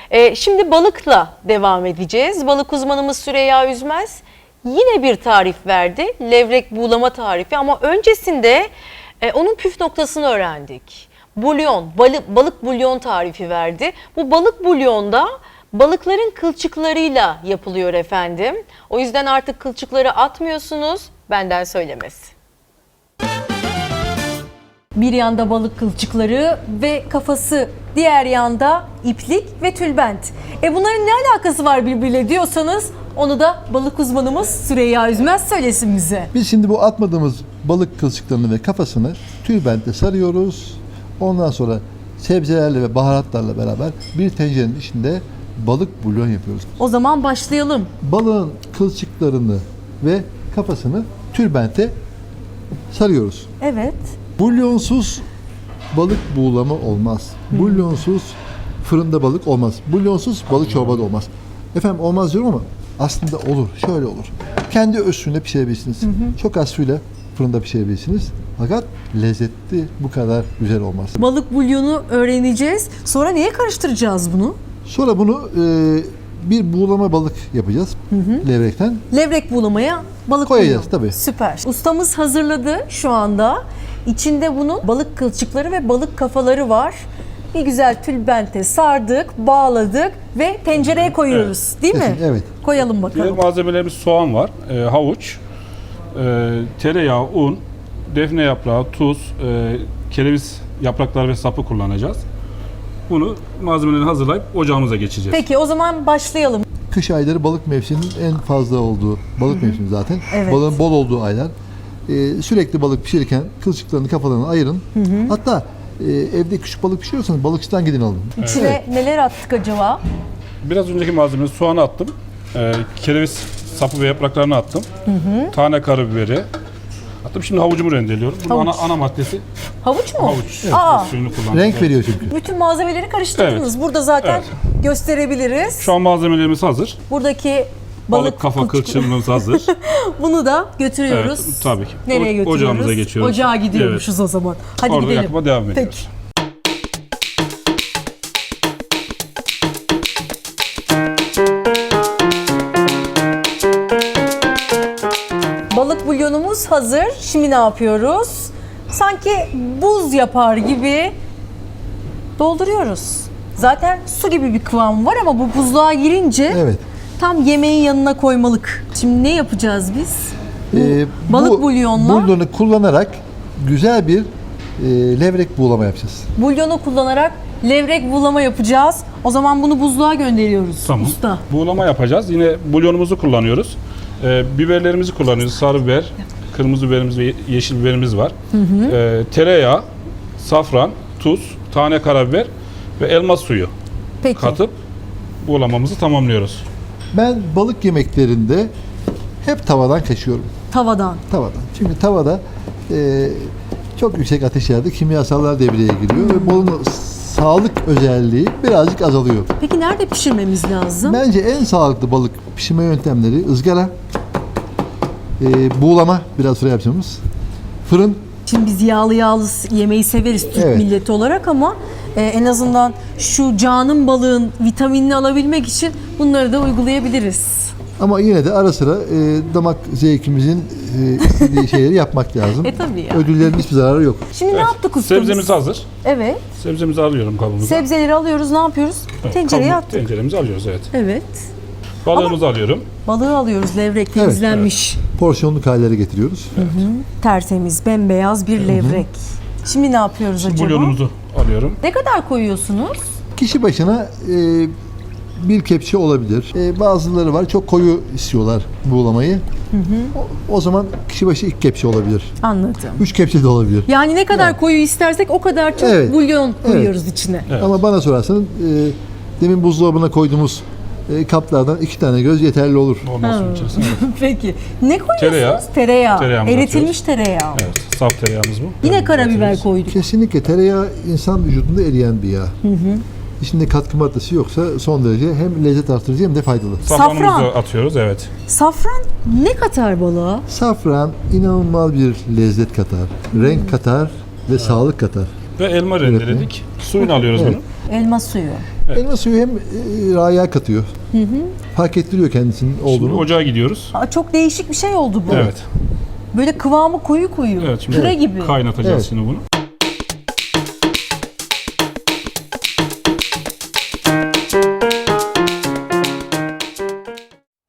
Şimdi balıkla devam edeceğiz. Balık uzmanımız Süreyya Üzmez yine bir tarif verdi. Levrek buğulama tarifi ama öncesinde onun püf noktasını öğrendik. Bulyon, balık bulyon tarifi verdi. Bu balık bulyonda balıkların kılçıklarıyla yapılıyor efendim. O yüzden artık kılçıkları atmıyorsunuz, benden söylemesi. Bir yanda balık kılçıkları ve kafası, diğer yanda iplik ve tülbent. Bunların ne alakası var birbiriyle diyorsanız onu da balık uzmanımız Süreyya Üzmez söylesin bize. Biz şimdi bu atmadığımız balık kılçıklarını ve kafasını tülbentle sarıyoruz. Ondan sonra sebzelerle ve baharatlarla beraber bir tencerenin içinde balık bulyon yapıyoruz. O zaman başlayalım. Balığın kılçıklarını ve kafasını tülbente sarıyoruz. Evet. Bulyonsuz balık buğulama olmaz. Bulyonsuz fırında balık olmaz. Bulyonsuz balık çorba da olmaz. Efendim olmaz diyorum ama aslında olur. Şöyle olur. Kendi öz suyunda pişirebilirsiniz. Çok az suyla fırında pişirebilirsiniz. Fakat lezzetli bu kadar güzel olmaz. Balık bulyonu öğreneceğiz. Sonra neye karıştıracağız bunu? Sonra bunu bir buğulama balık yapacağız. Levrekten. Levrek buğulamaya balık Koyacağız bulyon. tabii. Süper. Ustamız hazırladı şu anda. İçinde bunun balık kılçıkları ve balık kafaları var. Bir güzel tülbente sardık, bağladık ve tencereye koyuyoruz. Değil mi? Evet. Koyalım Diğer bakalım. malzemelerimiz soğan var, havuç, tereyağı, un, defne yaprağı, tuz, kereviz yaprakları ve sapı kullanacağız. Bunu malzemelerini hazırlayıp ocağımıza geçeceğiz. Peki o zaman başlayalım. Kış ayları balık mevsiminin en fazla olduğu balık mevsimi zaten. Evet. Balığın bol olduğu aylar. Sürekli balık pişirirken kılçıklarını, kafalarını ayırın. Hatta evde küçük balık pişiriyorsanız balıkçıdan gidin alın. İçine neler attık acaba? Biraz önceki malzemeleri soğanı attım, kereviz sapı ve yapraklarını attım, tane karabiberi attım. Şimdi havucumu rendeliyorum. Bunun Havuç. ana maddesi Havuç mu? havuç. Aa. Suyunu kullandım. Renk veriyor çünkü. Bütün malzemeleri karıştırdınız. Burada zaten gösterebiliriz. Şu an malzemelerimiz hazır. Buradaki Balık kafa kılçık- kılçığımız hazır. Bunu da götürüyoruz. Evet, tabii ki. Nereye götürüyoruz? Ocağımıza geçiyoruz. Ocağa gidiyormuşuz o zaman. Hadi Orada gidelim. yakma devam ediyoruz. Peki. Balık bulyonumuz hazır. Şimdi ne yapıyoruz? Sanki buz yapar gibi dolduruyoruz. Zaten su gibi bir kıvam var ama bu buzluğa girince Evet. tam yemeğin yanına koymalık. Şimdi ne yapacağız biz? Balık Bu bulyonla bulyonu kullanarak güzel bir levrek buğulama yapacağız. bulyonu kullanarak levrek buğulama yapacağız. O zaman bunu buzluğa gönderiyoruz Tamam. usta. Buğulama yapacağız. Yine bulyonumuzu kullanıyoruz. Biberlerimizi kullanıyoruz. Sarı biber, kırmızı biberimiz ve yeşil biberimiz var. Tereyağı, safran, tuz, tane karabiber ve elma suyu Peki. katıp buğulamamızı tamamlıyoruz. Ben balık yemeklerinde hep tavadan kaçıyorum. Tavadan. Tavadan. Çünkü tavada çok yüksek ateşlerde kimyasallar devreye giriyor ve balığın sağlık özelliği birazcık azalıyor. Peki nerede pişirmemiz lazım? Bence en sağlıklı balık pişirme yöntemleri ızgara, buğulama biraz sonra yapacağımız, fırın. Şimdi biz yağlı yemeği severiz Türk Evet. milleti olarak ama en azından şu canım balığın vitaminini alabilmek için bunları da uygulayabiliriz. Ama yine de ara sıra damak zevkimizin istediği şeyleri yapmak lazım. Tabii ya. Ödüllerin hiçbir zararı yok. Şimdi ne yaptık ustamız? Sebzemiz hazır. Evet. Sebzemizi alıyorum kabımıza. Sebzeleri alıyoruz. Ne yapıyoruz? Evet, Tencereye kabı- attık. Tenceremizi alıyoruz, evet. Evet. Balığımızı alıyorum. Balığı alıyoruz. Levrek temizlenmiş. Porsiyonluk hallere getiriyoruz. Tertemiz, bembeyaz bir levrek. Şimdi ne yapıyoruz acaba? Bulyonumuzu alıyorum. Ne kadar koyuyorsunuz? Kişi başına bir kepçe olabilir. Bazıları var çok koyu istiyorlar buğulamayı. O zaman kişi başı 2 kepçe olabilir. Anladım. 3 kepçe de olabilir. Yani ne kadar koyu istersek o kadar çok Evet. bulyon koyuyoruz içine. Evet. Ama bana sorarsanız demin buzdolabına koyduğumuz kaplardan 2 tane göz yeterli olur. Olmaz suyun içerisine. Evet. Peki. Ne koyuyorsunuz? Tereyağı. Tereyağı. Tereyağımızı Eritilmiş tereyağı. Evet, saf tereyağımız bu. Yine Evet, karabiber atıyoruz. koyduk. Kesinlikle tereyağı insan vücudunda eriyen bir yağ. İçinde katkı maddesi yoksa son derece hem lezzet artırıcı hem de faydalı. Safranımızı Safran. atıyoruz, evet. Safran ne katar balığa? Safran inanılmaz bir lezzet katar, renk katar ve sağlık katar. Ve elma rendeledik. Suyunu alıyoruz Evet. bunu. Elma suyu. Evet. Elma suyu hem raya katıyor. Fark ettiriyor kendisinin Şimdi olduğunu. ocağa gidiyoruz. Aa, çok değişik bir şey oldu bu. Evet. Böyle kıvamı koyu koyu. Evet, şimdi Püre gibi. kaynatacağız Evet. şimdi bunu.